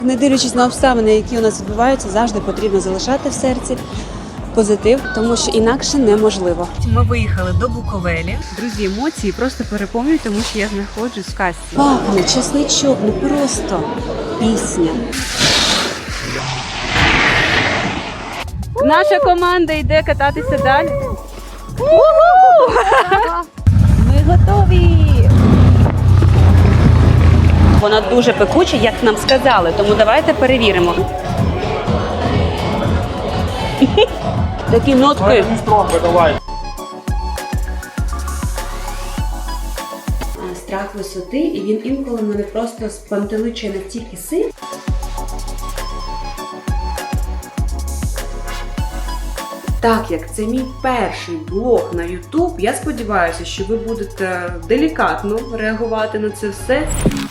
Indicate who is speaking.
Speaker 1: Не дивлячись на обставини, які у нас відбуваються, завжди потрібно залишати в серці позитив, тому що інакше неможливо. Ми виїхали до Буковелі. Друзі, емоції просто переповнюють, тому що я знаходжусь в казці. Пахне чесничок, ну просто пісня. Наша команда йде кататися далі. Ми готові! Вона дуже пекуча, як нам сказали, тому давайте перевіримо. Такі нотки. Страх висоти, і він інколи мене просто спантеличує настільки сильно. Так як це мій перший блог на YouTube, я сподіваюся, що ви будете делікатно реагувати на це все.